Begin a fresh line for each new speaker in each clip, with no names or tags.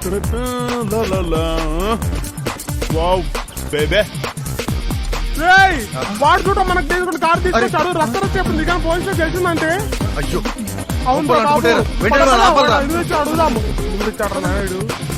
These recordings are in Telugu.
వావ్ బేబే
వాడు చూడ మనకు తీసుకుని కార్ తీసుకొచ్చాడు రక్త చెప్పు నిజం పోలీసులు తెలిసిందంటే
అయ్యో
అవును అడుగుదాము నాయుడు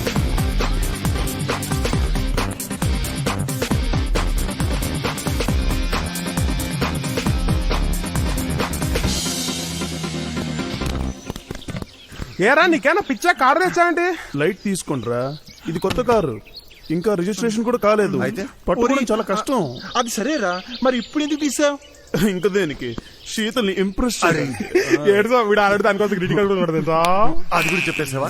ఏరా నీకేనా పిచ్చా కారు తెచ్చానంటే
లైట్ తీసుకుంట్రా ఇది కొత్త కారు ఇంకా రిజిస్ట్రేషన్ కూడా కాలేదు
అయితే
పట్టుకోవడం చాలా కష్టం.
అది సరేరా మరి ఇప్పుడు ఎందుకు తీసావు?
ఇంకా దేనికి శీతల్ని ఇంప్రెస్
ఏడుసా వీడు ఆల్రెడీ దానికోసం క్రిటికల్ కూడా తెలుసా
అది కూడా చెప్పేసావా?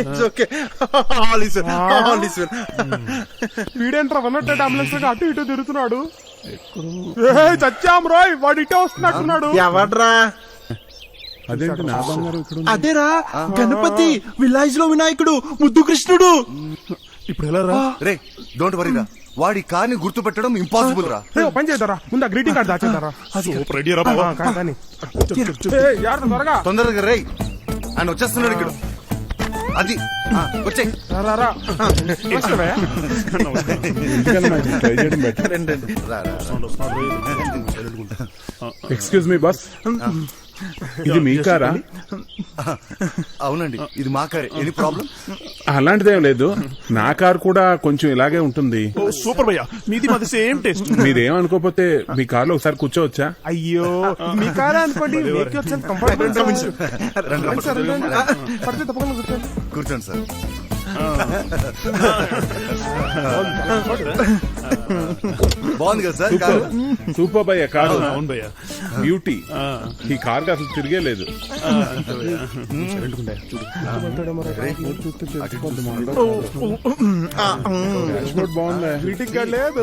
వీడేంట్రా వన్నట్టు అంబులెన్స్ అటు ఇటు తిరుగుతున్నాడు. చచ్చాం రోయ్ వాడు ఇటే వస్తున్నట్టున్నాడు.
ఎవడ్రా?
అదేంటి నా బంగారం ఇక్కడ ఉంది?
అదేరా గణపతి విలేజ్ లో వినాయకుడు ముద్దు కృష్ణుడు.
ఇప్పుడు ఎలా రా?
రే డోంట్ వరీ రా, వాడి కార్ని గుర్తు పెట్టడం ఇంపాసిబుల్ రా.
పని చేద్దారా ముందు ఆ గ్రీటింగ్ కార్డు దాచేద్దారా. త్వరగా
తొందరగా రే, ఆయన వచ్చేస్తున్నాడు ఇక్కడ. అది వచ్చే
ఎక్స్క్యూజ్ మీ బాస్, ఇది మీ కారా?
అవునండి ఇది మా కారే. Any problem?
అలాంటిదేం లేదు, నా కారు కూడా కొంచెం ఇలాగే ఉంటుంది.
సూపర్ భయ్యా, మీది మాది సేమ్ టేస్ట్.
మీరేమనుకోకపోతే మీ కారులో ఒకసారి కూర్చోవచ్చా?
అయ్యో మీ కారా అనుకోండి.
కూర్చోండి సార్. బాగుంది కదా సార్ కారు?
సూపర్ భయ్య కారు,
అవును భయ్యా,
బ్యూటీ. ఈ కారుకి అసలు తిరిగే లేదు. బాగుందా?
గ్రీటింగ్ కార్డు లేదు.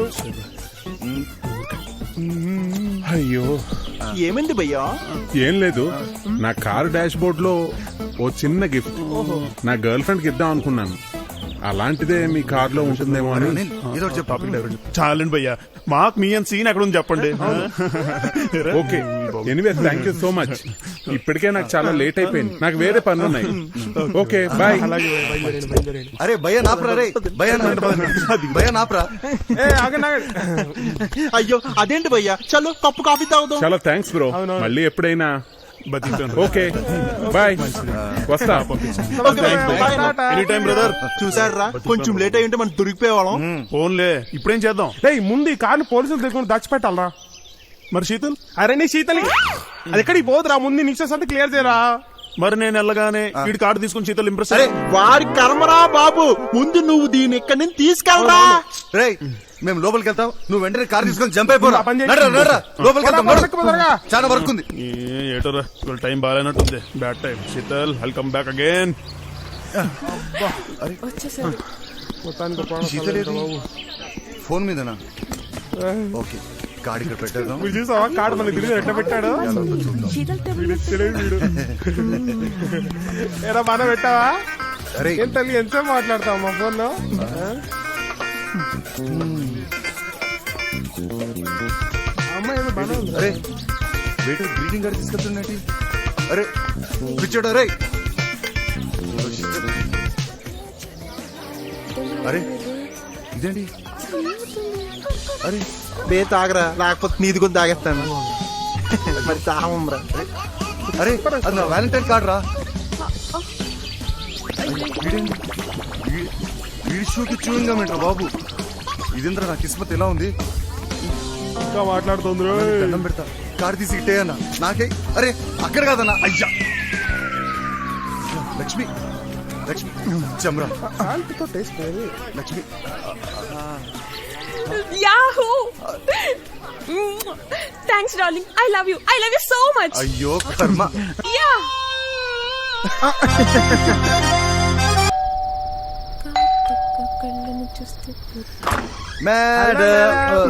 అయ్యో
ఏమైంది భయ్యా?
ఏం లేదు, నా కారు డాష్ బోర్డ్ లో ఓ చిన్న గిఫ్ట్ నా గర్ల్ ఫ్రెండ్ కి ఇద్దాం అనుకున్నాను. అలాంటిదే మీ కార్ లో ఉంటుందేమో అని.
ఏదో చెప్పు.
చాలండి భయ్యా, మాకు మీ అంత సీన్ ఎక్కడ ఉంది చెప్పండి.
Okay, anyway thank you so much. ఇప్పటికే నాకు చాలా లేట్ అయిపోయింది, నాకు వేరే పనులు ఉన్నాయి. Okay bye.
అరే భయ్యా నాపరా, రే భయ్యా నాపరా.
అయ్యో అదేంటి భయ్యా, చలో కప్పు కాఫీ తాగుదాం.
చాలా థ్యాంక్స్ బ్రో, మళ్ళీ ఎప్పుడైనా. ఓకే బాయ్, వస్తా.
Any time brother.
చూసారా కొంచెం లేట్ అయ్యింటే మనం దొరికిపోయేవాళ్ళం.
ఫోన్లే, ఇప్పుడేం చేద్దాం?
ముందు ఈ కార్ని పోలీసులు దగ్గర దాచిపెట్టాలరా.
మరి శీతల్?
అరే నీ శీతల్ అది ఎక్కడికి పోదురా, ముందు నిశ్చస్ అంటే క్లియర్ చేయరా.
మరి నేను వెళ్ళగానే వీడి కార్డు తీసుకుని శీతల్ ఇంప్రెస్.
అరే వాడి కర్మరా బాబు, ముందు నువ్వు దీన్ని ఇక్కడి నుంచి తీసుకెళ్ళరా.
రే మేము లోపలికి వెళ్తాం, నువ్వు వెంటనే కార్ తీసుకొని జంప్ అయిపోరా.
పని చేయి.
లోపలికి వెళ్తాం, చాలా వర్క్ ఉంది.
ఏటోరా ఇవాళ టైం బాగాలేనట్టుంది, bad time. Sheetal welcome back again.
Phone మీదనా? ఓకే కార్డు ఇక్కడ పెట్టేద్దాం.
చూసావా కార్డు మనకి తిరిగి ఎట్లా పెట్టాడు. ఏరా మన పెట్టావా?
అరే
ఏం తల్లి ఎంతసేపు మాట్లాడతావు మా ఫోన్ లో? అమ్మాయి ఏదో బాగా ఉంది.
అరే వెయిటర్ గ్రీటింగ్ కార్డు తీసుకెళ్తున్నట్టు. అరే పిచ్చాడు. అరే అరే ఇదేంటి? అరే
బే తాగరా, లేకపోతే నీది కొని తాగేస్తాను. మరి తాగమ్రా.
అరే అది నా వ్యాలంటైన్ కార్డు రా. వీడి షూకి చూయింగ్ గమేంట్రా బాబు. ఇదేంద్ర నా కిస్మత్ ఎలా ఉంది.
ఇంకా మాట్లాడుతుంది.
దండం పెడతా, కార్డు తీసి ఇట్టే అన్న నాకే. అరే అక్కడ కాదన్నా. అయ్యా Lakshmi, Lakshmi Chamra, Lakshmi.
Yahoo! Thanks, darling. I love you. I love you so much.
అయ్యో కర్మ.
Yeah.
మేడం.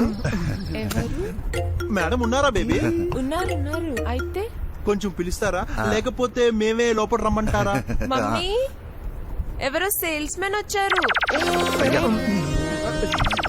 మేడం ఉన్నారా బేబీ?
ఉన్నారు. అయితే
కొంచెం పిలుస్తారా, లేకపోతే మేమే లోపల రమ్మంటారా?
మమ్మీ ఎవరో సేల్స్ మెన్ వచ్చారు.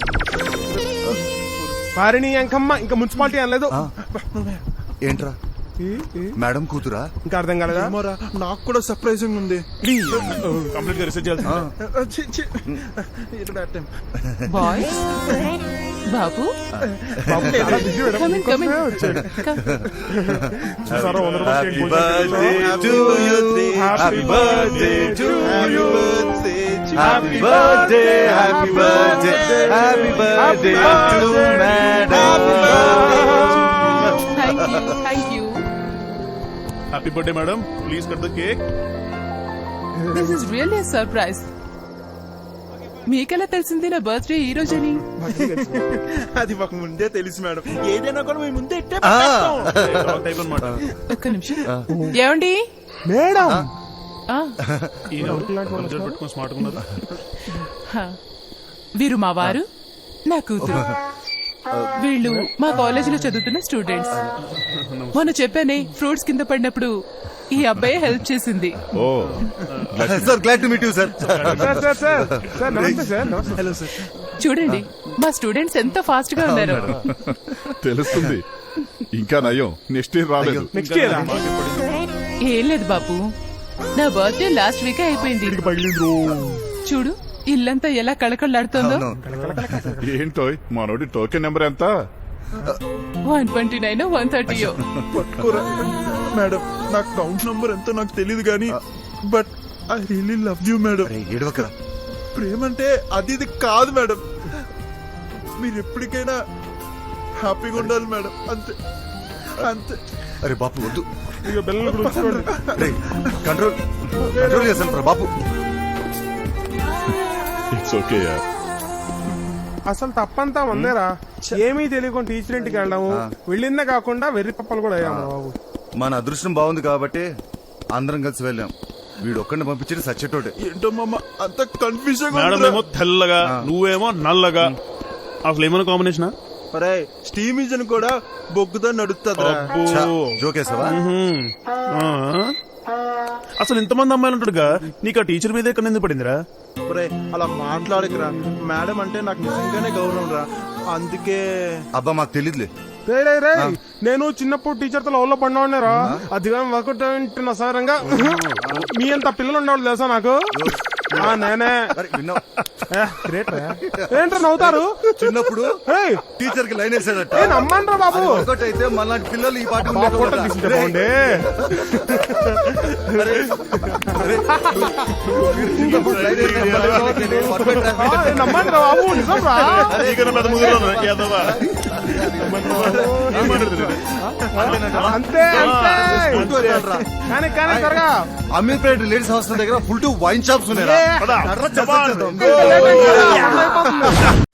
పారిణి అంకమ్మ ఇంకా మున్సిపాలిటీ అనలేదు.
ఏంట్రా మేడం కూతురా?
ఇంకా అర్థం కాలేదా?
ఏమోరా, నాకు కూడా సర్ప్రైజింగ్ ఉంది.
కంప్లీట్ గా రిసెర్చ్ చేయాల్సిందే.
ఛీ, ఛీ. ఇది bad time.
బాయ్స్ బాబు
బాబు చాలా busy madam.
Come in, come in.
వచ్చాడు.
Come.
చూసారా, 100 రూపాయలు
Happy
cake
birthday to you. Happy birthday to you. Happy birthday, happy birthday, happy birthday to madam.
Thank you, thank you.
Happy birthday madam, please cut the cake.
This is really a surprise. మీకెలా తెలిసింది నా బర్త్డే ఈ రోజని?
అది మాకు ముందే తెలుసు మేడం. ఏదైనా కూడా మేము ముందే ఇట్టే
ఆ,
టైప్ అనమాట.
ఒక్క నిమిషం. ఏమండి?
మేడం
ఆ,
పెట్టుకుని స్మార్ట్ ఉన్నారు.
హ. వీరు మా వారు, నా కూతురు. వీళ్ళు మా కాలేజీలో చదువుతున్న స్టూడెంట్స్. మొన్న చెప్పానే ఫ్రూట్స్ కింద పడినప్పుడు ఈ అబ్బాయి హెల్ప్ చేసింది.
sir, glad to meet you, sir.
Sir నమస్తే సార్. నమస్తే.
Hello sir.
చూడండి మా స్టూడెంట్స్ ఎంత ఫాస్ట్ గా ఉన్నారు.
తెలుస్తుంది. ఇంకా నయం, నెక్స్ట్ ఇయర్ రాలేదు.
నెక్స్ట్ ఇయర్
ఏం లేదు బాబు, నా బర్త్డే లాస్ట్ వీక్ అయిపోయింది. చూడు ఇల్లంతా ఎలా కళకళలాడుతోందో.
ఏంటో మనోడి టోకెన్ నెంబర్ ఎంత?
129 130.
పట్టుకోరా మేడం. నాకు కౌంట్ నంబర్ ఎంతో నాకు తెలియదు కానీ but I really love you madam.
అరే, ఏడవకరా.
ప్రేమ అంటే అది ఇది కాదు మేడం. మీరు ఎప్పటికైనా హ్యాపీగా ఉండాలి మేడం. అంతే అంతే.
అరే బాపు వద్దు.
ఇక బెల్లం గురించి చూడండి.
రే, కంట్రోల్ కంట్రోల్ చేస్తాను రా బాపు.
ఇట్స్ ఓకే యార్.
అసలు తప్పంతా వందేరా. ఏమీ తెలియకుండా టీచర్ ఇంటికి వెళ్ళాము. వెళ్ళిందే కాకుండా వెర్రి పప్పలు కూడా అయ్యాము బాబు.
మన అదృష్టం బాగుంది కాబట్టి అందరం కలిసి వెళ్ళాం. వీడు ఒక్కడిని పంపించి సచ్చేటోటే.
ఏంటో మామ అంత కన్ఫ్యూజన్.
మేడం ఏమో తెల్లగా, నువ్వేమో నల్లగా. అసలు ఏమైనా కాంబినేషన్?
అరే స్టీమ్ ఇంజన్ కూడా బొగ్గుతో నడుస్తుంది.
జోకేసావా?
అసలు ఇంతమంది అమ్మాయిలు ఉంటాడుగా, నీకు ఆ టీచర్ మీద ఎక్కడ ఎందుకు పడిందిరా?
అలా మాట్లాడకురా. మేడం అంటే నాకు నిజంగానే గౌరవం రా. అందుకే
అబ్బా మాకు తెలీదులే.
రే నేను చిన్నప్పుడు టీచర్ తో లవ్ లో పడినారా. అది కానీ వర్కౌట్ నా సారంగా మీ అంత పిల్లలు ఉండేవాళ్ళు తెలుసా నాకు. నేనే
అరే, విన్నావా?
గ్రేట్ రా. ఏంట్రా నవ్వుతారు?
చిన్నప్పుడు
ఏయ్,
టీచర్ కి లైన్ వేసాడట.
ఏ నమ్మండ్రా బాబు.
ఒకటి అయితే మళ్ళాంటి పిల్లలు ఈ పాట
బాబు ఫోటో తీసుకుంటే బాగుండే. నమ్మండ్రా బాబు, నిజం రా.
నీకన్నా పెద్ద ముగ్గురు ఉన్నారు, యాదవా.
అంతే అంతే. కానీ త్వరగా
అమీర్పేట లేడీస్ హాస్టల్ దగ్గర ఫుల్ టు వైన్ షాప్స్ ఉన్నాయి.
పద.
లేట్ అయిపోతుందా?